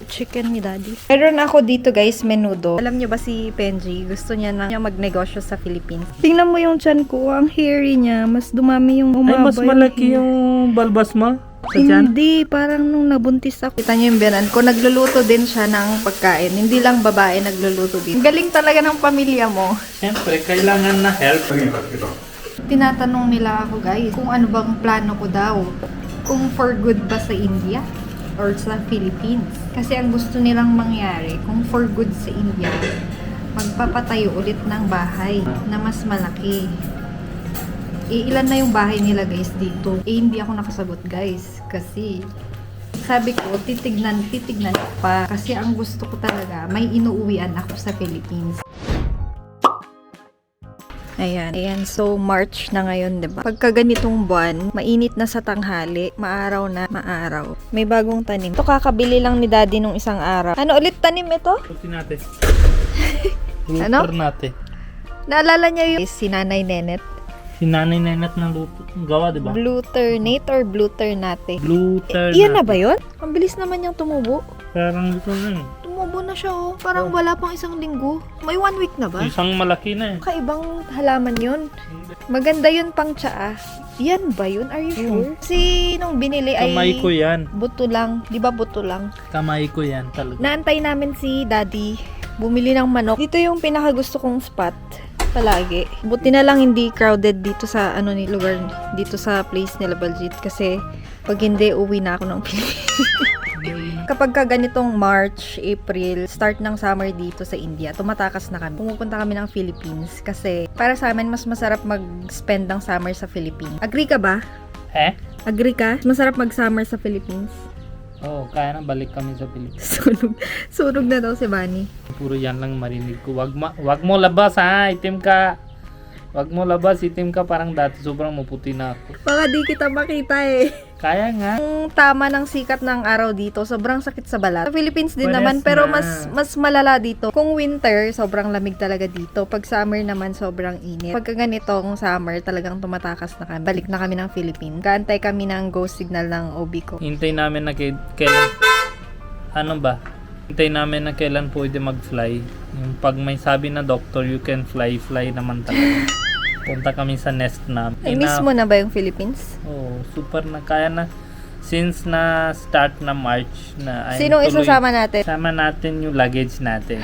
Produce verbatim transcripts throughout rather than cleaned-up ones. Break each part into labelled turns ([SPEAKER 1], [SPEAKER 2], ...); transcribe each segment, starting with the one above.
[SPEAKER 1] favorite chicken ni Daddy. Meron ako dito guys, menudo. Alam niyo ba si Penji, gusto niya na niya magnegosyo sa Philippines. Tingnan mo yung chan ko, ang hairy niya. Mas dumami yung umaba.
[SPEAKER 2] Ay, mas malaki yung balbas mo? Sa tiyan?
[SPEAKER 1] Hindi, parang nung nabuntis ako. Kita niyo yung biyanan ko, nagluluto din siya ng pagkain. Hindi lang babae nagluluto din. Galing talaga ng pamilya mo.
[SPEAKER 2] Siyempre, kailangan na help.
[SPEAKER 1] Tinatanong nila ako guys, kung ano bang plano ko daw. Kung for good ba sa India or sa Philippines. Kasi ang gusto nilang mangyari, kung for good sa India, magpapatayo ulit ng bahay na mas malaki. E, ilan na yung bahay nila guys dito? Eh, hindi ako nakasagot guys. Kasi, sabi ko, titignan, titignan pa. Kasi ang gusto ko talaga, may inuuwian ako sa Philippines. Ayan. Ayan. So, March na ngayon, diba? Pagka ganitong buwan, mainit na sa tanghali, maaraw na, maaraw. May bagong tanim. Ito kakabili lang ni Daddy nung isang araw. Ano ulit tanim ito?
[SPEAKER 2] Puti natin.
[SPEAKER 1] Ano?
[SPEAKER 2] Lutor natin.
[SPEAKER 1] Naalala niya yung si Nanay Nenet?
[SPEAKER 2] Si Nanay Nenet ng luto. Gawa, di ba?
[SPEAKER 1] Blue ternate or blue ternate?
[SPEAKER 2] Blue
[SPEAKER 1] Eh, iyan na ba yun? Ang bilis naman niyang tumubo.
[SPEAKER 2] Parang ito na eh.
[SPEAKER 1] Tumubo na siya oh. Parang wala pang isang linggo. May one week na ba?
[SPEAKER 2] Isang malaki na eh.
[SPEAKER 1] Kaibang halaman yun. Maganda yun pang tsaa. Yan ba yun? Are you sure? Kasi nung binili ay
[SPEAKER 2] Kamay ko yan.
[SPEAKER 1] buto lang. Di ba buto lang?
[SPEAKER 2] Kamay ko yan talaga.
[SPEAKER 1] Naantay namin si Daddy. Bumili ng manok. Dito yung pinakagusto kong spot. Palagi. Buti na lang hindi crowded dito sa ano ni lugar dito sa place nila Baljit kasi pag hindi uwi na ako ng Pilipinas. Kapag ka ganitong March, April, start ng summer dito sa India, tumatakas na kami. Pumupunta kami ng Philippines kasi para sa amin mas masarap mag-spend ng summer sa Philippines. Agree ka ba?
[SPEAKER 2] Eh?
[SPEAKER 1] Agree ka? Masarap mag-summer sa Philippines.
[SPEAKER 2] Oo, oh, kaya na balik kami sa Pilipinas.
[SPEAKER 1] Sunog. Sunog na daw si Bunny.
[SPEAKER 2] Puro yan lang marinig ko. Wag, ma wag mo labas ha, itim ka. Wag mo labas, itim ka. Parang dati sobrang maputi na ako.
[SPEAKER 1] Baka di kita makita eh.
[SPEAKER 2] Kaya nga.
[SPEAKER 1] Ang tama ng sikat ng araw dito, sobrang sakit sa balat. Sa Philippines din
[SPEAKER 2] Pares
[SPEAKER 1] naman, pero
[SPEAKER 2] na.
[SPEAKER 1] mas mas malala dito. Kung winter, sobrang lamig talaga dito. Pag summer naman, sobrang init. Pagka ganitong summer, talagang tumatakas na kami. Balik na kami ng Philippines. Kaantay kami ng go signal ng O B ko.
[SPEAKER 2] Hintay namin na kay- kailan... Ano ba? Hintay namin na kailan pwede mag-fly. Yung pag may sabi na doctor, you can fly, fly naman talaga. Punta kami sa nest na.
[SPEAKER 1] Ay, miss mo na ba yung Philippines?
[SPEAKER 2] Oh, super na. Kaya na, since na start na March na ay
[SPEAKER 1] Sinong isasama natin?
[SPEAKER 2] Sama natin yung luggage natin.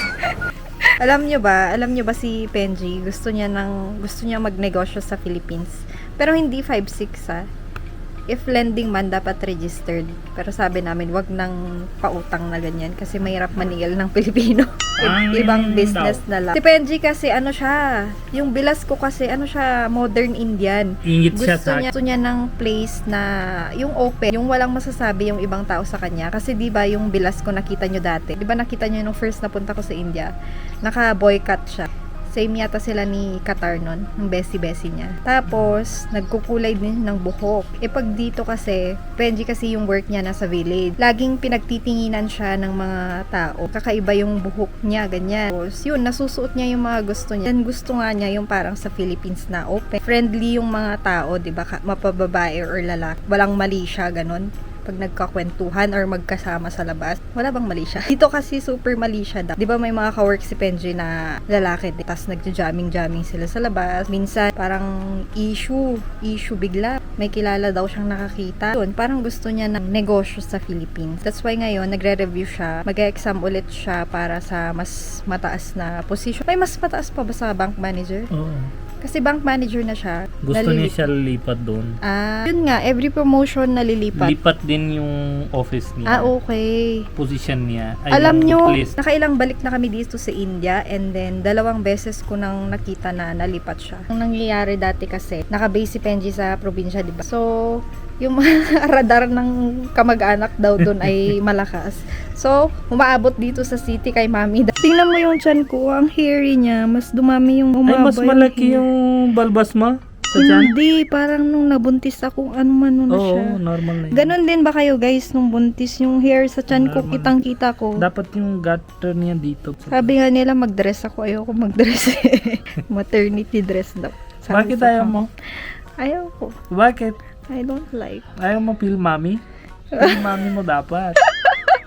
[SPEAKER 1] Alam nyo ba, alam nyo ba si Penji, gusto niya ng, gusto niya magnegosyo sa Philippines. Pero hindi five six ha. If lending man, dapat registered. Pero sabi namin, wag nang pautang na ganyan kasi mahirap maningil ng Pilipino.
[SPEAKER 2] Ang
[SPEAKER 1] Ibang business
[SPEAKER 2] daw.
[SPEAKER 1] na lang. Si Penji kasi ano siya, yung bilas ko kasi ano siya, modern Indian.
[SPEAKER 2] Ingit siya
[SPEAKER 1] Gusto
[SPEAKER 2] sa
[SPEAKER 1] niya, gusto niya ng place na yung open, yung walang masasabi yung ibang tao sa kanya. Kasi di ba yung bilas ko nakita nyo dati? Di ba nakita nyo nung first na punta ko sa India? Naka-boycott siya. Same yata sila ni Qatar nun, ng besi-besi niya. Tapos, nagkukulay din ng buhok. E pag dito kasi, Benji kasi yung work niya nasa village. Laging pinagtitinginan siya ng mga tao. Kakaiba yung buhok niya, ganyan. Tapos, yun, nasusuot niya yung mga gusto niya. Then, gusto nga niya yung parang sa Philippines na open. Friendly yung mga tao, di ba? Mapababae or lalaki. Walang mali siya, ganun. Pag nagkakwentuhan or magkasama sa labas, wala bang mali siya? Dito kasi super mali siya daw. Di ba may mga kawork si Penji na lalaki, tapos nagja-jamming-jamming sila sa labas. Minsan, parang issue, issue bigla. May kilala daw siyang nakakita. Yun, parang gusto niya ng negosyo sa Philippines. That's why ngayon, nagre-review siya. Mag-exam ulit siya para sa mas mataas na position. May mas mataas pa ba sa bank manager?
[SPEAKER 2] Oo.
[SPEAKER 1] Kasi bank manager na siya.
[SPEAKER 2] Gusto
[SPEAKER 1] nalilipat.
[SPEAKER 2] niya siya lipat doon.
[SPEAKER 1] Ah, yun nga, every promotion nalilipat.
[SPEAKER 2] Lipat din yung office niya.
[SPEAKER 1] Ah, okay.
[SPEAKER 2] Position niya. Ay,
[SPEAKER 1] Alam
[SPEAKER 2] yung
[SPEAKER 1] nyo,
[SPEAKER 2] place.
[SPEAKER 1] nakailang balik na kami dito sa India and then dalawang beses ko nang nakita na nalipat siya. Ang nangyayari dati kasi, naka-base si Penji sa probinsya, di ba? So, yung mga radar ng kamag-anak daw doon ay malakas. So, umaabot dito sa city kay mami. Tingnan mo yung chan ko, ang hairy niya. Mas dumami yung umaba.
[SPEAKER 2] Ay, mas malaki yung balbas mo? Sa tiyan?
[SPEAKER 1] Hindi, parang nung nabuntis ako, ano man na
[SPEAKER 2] Oo,
[SPEAKER 1] siya.
[SPEAKER 2] normal na yun.
[SPEAKER 1] Ganon din ba kayo guys, nung buntis yung hair sa chan ko,
[SPEAKER 2] Normal.
[SPEAKER 1] kitang-kita ko.
[SPEAKER 2] Dapat yung gutter niya dito.
[SPEAKER 1] Sabi nga nila mag-dress ako, ayoko mag-dress eh. Maternity dress daw. Sabi
[SPEAKER 2] Bakit
[SPEAKER 1] sa
[SPEAKER 2] ayaw
[SPEAKER 1] kam-
[SPEAKER 2] mo?
[SPEAKER 1] Ayaw ko.
[SPEAKER 2] Bakit?
[SPEAKER 1] I don't like.
[SPEAKER 2] Ayaw mo feel mommy? Feel mommy mo dapat.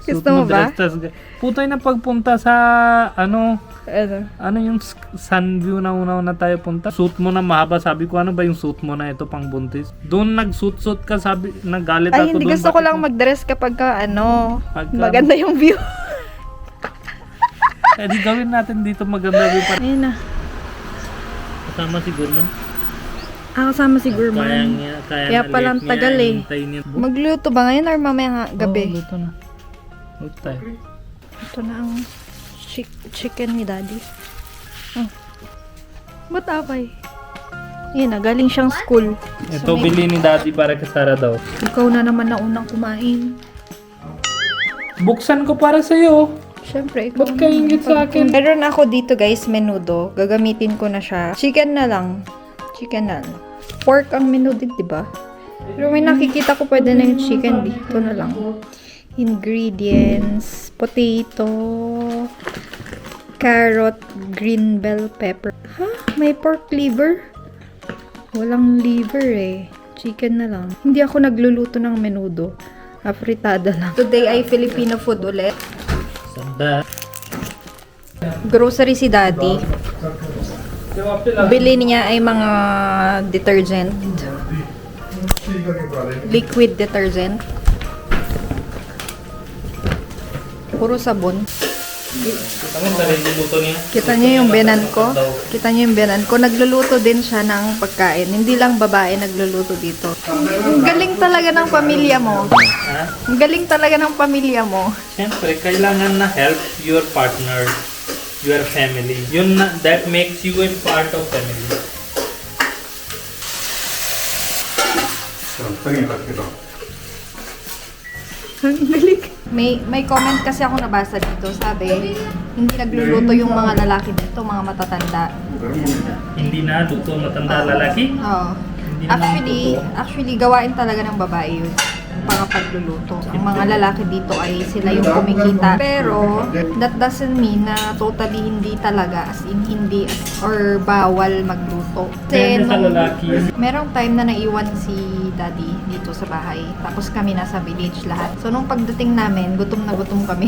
[SPEAKER 2] Suot
[SPEAKER 1] Gusto mo ba?
[SPEAKER 2] dress, tas, putay na pagpunta sa, ano,
[SPEAKER 1] Ano?
[SPEAKER 2] ano yung s- Sunview na una-una tayo punta. Suit mo na mahaba. Sabi ko, ano ba yung suit mo na ito pang buntis? Doon nag-suit-suit ka, sabi, nagalit
[SPEAKER 1] Ay,
[SPEAKER 2] ako
[SPEAKER 1] hindi.
[SPEAKER 2] doon.
[SPEAKER 1] Gusto ko
[SPEAKER 2] Bakit
[SPEAKER 1] lang
[SPEAKER 2] mo-
[SPEAKER 1] mag-dress kapag ka, ano,
[SPEAKER 2] Pagka-
[SPEAKER 1] maganda yung view.
[SPEAKER 2] Eh, di gawin natin dito maganda view pa.
[SPEAKER 1] Ayun na.
[SPEAKER 2] Kasama siguro nun.
[SPEAKER 1] Ah, kasama si
[SPEAKER 2] Kaya
[SPEAKER 1] Gurman.
[SPEAKER 2] niya, kaya
[SPEAKER 1] Kaya
[SPEAKER 2] na
[SPEAKER 1] palang
[SPEAKER 2] late
[SPEAKER 1] tagal
[SPEAKER 2] niya,
[SPEAKER 1] eh.
[SPEAKER 2] hintayin niya.
[SPEAKER 1] Magluto ba ngayon or mamaya nga gabi?
[SPEAKER 2] Oo, luto na. Luto tayo.
[SPEAKER 1] Ito na ang chick- chicken ni Daddy. Oh. Ba't apay? Yan na, galing siyang school.
[SPEAKER 2] Ito
[SPEAKER 1] So, may-
[SPEAKER 2] bili ni Daddy para kay Sarah daw.
[SPEAKER 1] Ikaw na naman na unang kumain.
[SPEAKER 2] Buksan ko para sa'yo.
[SPEAKER 1] Siyempre, ikaw.
[SPEAKER 2] Ba't ka ingit sa akin?
[SPEAKER 1] Meron ako dito guys, menudo. Gagamitin ko na siya. Chicken na lang. Chicken na lang. Pork ang menudo, di ba? Pero may nakikita ko pwede na yung chicken dito na lang. Ingredients. Potato. Carrot. Green bell pepper. Ha? May pork liver? Walang liver eh. Chicken na lang. Hindi ako nagluluto ng menudo. Afritada lang. Today ay Filipino food ulit.
[SPEAKER 2] Sanda.
[SPEAKER 1] Grocery si Daddy. Bili niya ay mga detergent. Liquid detergent. Puro sabon.
[SPEAKER 2] Kita mo sa rin niluto niya.
[SPEAKER 1] Kita niyo yung biyanan ko? Kita niyo yung biyanan ko? Nagluluto din siya ng pagkain. Hindi lang babae nagluluto dito. Ang galing talaga ng pamilya mo.
[SPEAKER 2] Ha?
[SPEAKER 1] Ang galing talaga ng pamilya mo.
[SPEAKER 2] Siyempre, kailangan na help your partner, your family. Yun na, that makes you a part of family.
[SPEAKER 1] Ang galing. May may comment kasi ako nabasa dito. Sabi, hindi nagluluto yung mga lalaki dito, mga matatanda.
[SPEAKER 2] Hindi na luto matanda lalaki.
[SPEAKER 1] Oo.
[SPEAKER 2] Hindi naman
[SPEAKER 1] Actually,
[SPEAKER 2] totoo.
[SPEAKER 1] actually gawain talaga ng babae yun. Mga pagluluto. Ang mga lalaki dito ay sila yung kumikita. Pero, that doesn't mean na totally hindi talaga, as in hindi, or bawal magluto.
[SPEAKER 2] Depende sa
[SPEAKER 1] nung-
[SPEAKER 2] lalaki.
[SPEAKER 1] merong time na naiwan si daddy dito sa bahay. Tapos kami nasa village lahat. So, nung pagdating namin, gutom na gutom kami.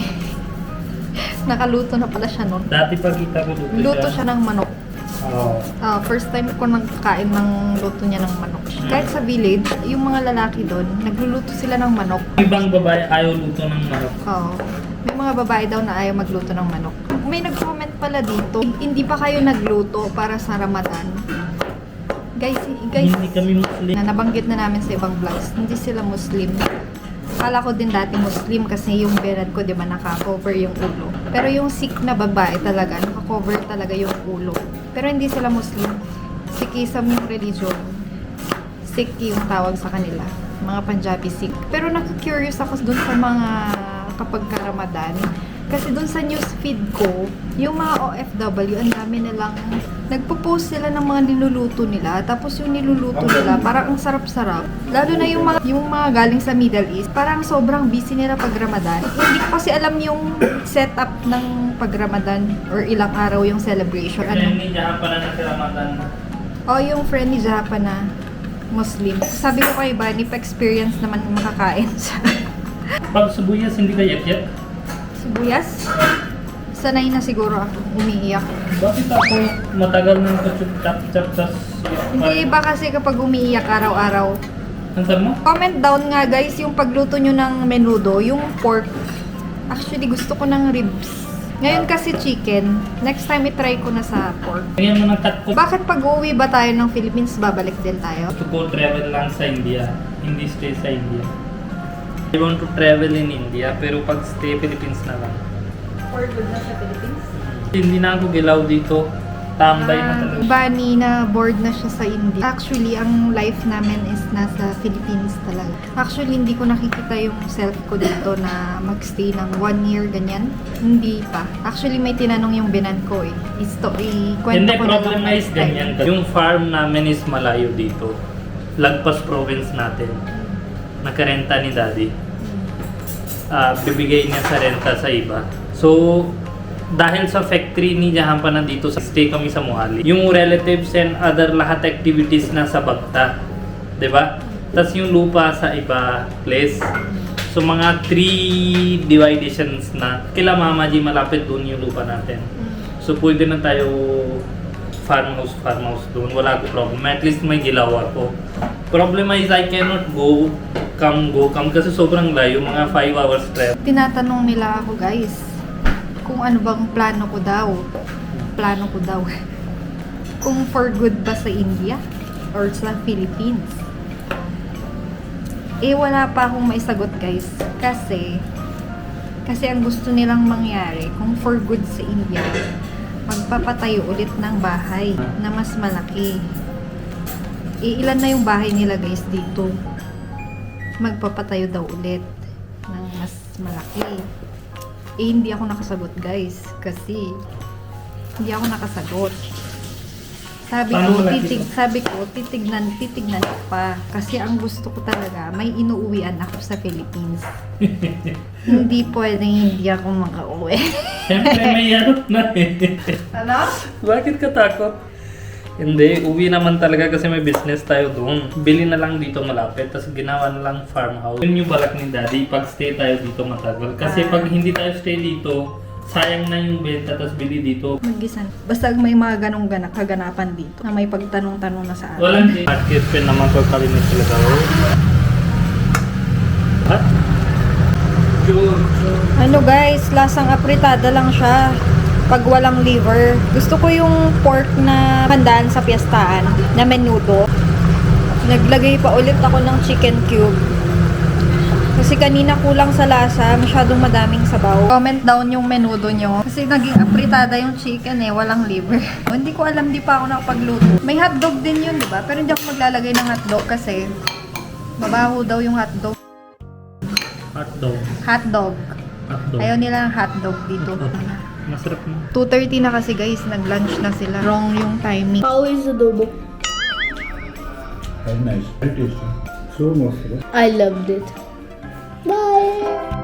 [SPEAKER 1] Nakaluto na pala siya nun.
[SPEAKER 2] Dati pag kita ko luto,
[SPEAKER 1] Luto siya ng manok.
[SPEAKER 2] Oo.
[SPEAKER 1] Ah, first time ko nagkain ng luto niya ng manok. Kahit sa village, yung mga lalaki doon, nagluluto sila ng manok.
[SPEAKER 2] Ibang babae ayaw luto ng manok.
[SPEAKER 1] Oo. May mga babae daw na ayaw magluto ng manok. May nag-comment pala dito, hindi pa kayo nagluto para sa Ramadan. Guys, guys,
[SPEAKER 2] Hindi kami Muslim.
[SPEAKER 1] na nabanggit na namin sa ibang vlogs, hindi sila Muslim. Akala ko din dati Muslim kasi yung beard ko, di ba, naka-cover yung ulo. Pero yung Sikh na babae talaga, naka-cover talaga yung ulo. Pero hindi sila Muslim. Sikhism yung religion. Sikh yung tawag sa kanila. Mga Punjabi Sikh. Pero nakaka-curious ako dun sa mga kapag ka Ramadan. Kasi dun sa newsfeed ko, yung mga O F W, ang dami nilang nagpo-post sila ng mga niluluto nila. Tapos yung niluluto nila, parang ang sarap-sarap. Lalo na yung mga, yung mga galing sa Middle East, parang sobrang busy nila pag Ramadan. Hindi ko kasi alam yung setup ng pag Ramadan or ilang araw yung celebration.
[SPEAKER 2] Ano?
[SPEAKER 1] Ano?
[SPEAKER 2] Hindi dyan pala na Ramadan.
[SPEAKER 1] O yung friend ni Japa na Muslim. Sabi ko kay Bunny, pa-experience naman makakain siya.
[SPEAKER 2] Pag subuyas, hindi ka yak-yak?
[SPEAKER 1] Sibuyas? Sanay na siguro ako umiiyak.
[SPEAKER 2] Bakit ako matagal nang kachuk-chap-chap tas...
[SPEAKER 1] Hindi iba kasi kapag umiiyak araw-araw.
[SPEAKER 2] Ang sabi mo?
[SPEAKER 1] Comment down nga guys yung pagluto nyo ng menudo, yung pork. Actually gusto ko ng ribs. Ngayon kasi chicken. Next time i-try ko na sa pork.
[SPEAKER 2] Lagyan mo ng cut ko.
[SPEAKER 1] Bakit pag uwi ba tayo ng Philippines, babalik din tayo?
[SPEAKER 2] To go travel lang sa India. Hindi stay sa India. I want to travel in India, pero pag stay Philippines na lang.
[SPEAKER 1] For good na sa Philippines?
[SPEAKER 2] Hindi na ako gilaw dito. Tambay na
[SPEAKER 1] Ah,
[SPEAKER 2] talaga.
[SPEAKER 1] Bani na bored na siya sa India. Actually, ang life namin is nasa Philippines talaga. Actually, hindi ko nakikita yung self ko dito na magstay ng one year, ganyan. Hindi pa. Actually, may tinanong yung binan ko eh. Is to, ikwento
[SPEAKER 2] Hindi,
[SPEAKER 1] ko na
[SPEAKER 2] problem
[SPEAKER 1] lang
[SPEAKER 2] na is
[SPEAKER 1] next time.
[SPEAKER 2] ganyan. Yung farm namin is malayo dito. Lagpas province natin. Nakarenta ni daddy. Ah, bibigay niya sa renta sa iba. So, dahil sa factory ni Jahampa na dito, stay kami sa Mohali. Yung relatives and other lahat activities na sa Bagta. 'Di ba? Tapos yung lupa sa iba place. So mga three divisions na kila Mama G malapit doon yung lupa natin. So pwede na tayo farmhouse, farmhouse doon. Wala ko problem. At least may gilaw ako. Problem is I cannot go, come, go, come kasi sobrang layo. Mga five hours trip.
[SPEAKER 1] Tinatanong nila ako guys, kung ano bang plano ko daw. Plano ko daw. Kung for good ba sa India or sa Philippines. Eh wala pa akong maisagot guys. Kasi, kasi ang gusto nilang mangyari, kung for good sa India, magpapatayo ulit ng bahay na mas malaki. Eh, ilan na yung bahay nila guys dito? Magpapatayo daw ulit ng mas malaki. Eh, hindi ako nakasagot guys. Kasi, hindi ako nakasagot. Sabi
[SPEAKER 2] Paano
[SPEAKER 1] ko,
[SPEAKER 2] malaki
[SPEAKER 1] titig,
[SPEAKER 2] to?
[SPEAKER 1] sabi ko, titignan, titignan ko pa. Kasi ang gusto ko talaga, may inuuwian ako sa Philippines. Hindi pwedeng hindi ako makauwi.
[SPEAKER 2] Siyempre may ano na eh.
[SPEAKER 1] Ano?
[SPEAKER 2] Bakit ka takot? Hindi, uwi naman talaga kasi may business tayo doon. Bili na lang dito malapit, tapos ginawa na lang farmhouse. Yun yung balak ni Daddy, pag stay tayo dito matagal. Kasi
[SPEAKER 1] Ah.
[SPEAKER 2] pag hindi tayo stay dito, sayang na yung benta, tapos bili dito.
[SPEAKER 1] Mag-isan. Basta may mga ganong ganak, kaganapan dito na may pagtanong-tanong na sa akin.
[SPEAKER 2] Walang di. Market pen naman ko kalimit talaga. Oh. What? Sure.
[SPEAKER 1] Ano guys, lasang apritada lang siya pag walang liver. Gusto ko yung pork na handaan sa piyestaan na menudo. Naglagay pa ulit ako ng chicken cube. Kasi kanina kulang sa lasa, masyadong madaming sabaw. Comment down yung menudo nyo. Kasi naging apritada yung chicken eh, walang liver. Hindi ko alam, di pa ako nakapagluto. May hotdog din yun, di ba? Pero hindi ako maglalagay ng hotdog kasi mabaho daw yung hotdog.
[SPEAKER 2] Hotdog.
[SPEAKER 1] Hotdog.
[SPEAKER 2] Hotdog.
[SPEAKER 1] Ayaw nila ng hotdog dito.
[SPEAKER 2] Masarap na.
[SPEAKER 1] two thirty na kasi guys, nag-lunch na sila. Wrong yung timing.
[SPEAKER 3] How is adobo?
[SPEAKER 4] Very nice. Very tasty. So much.
[SPEAKER 3] I loved it. Bye.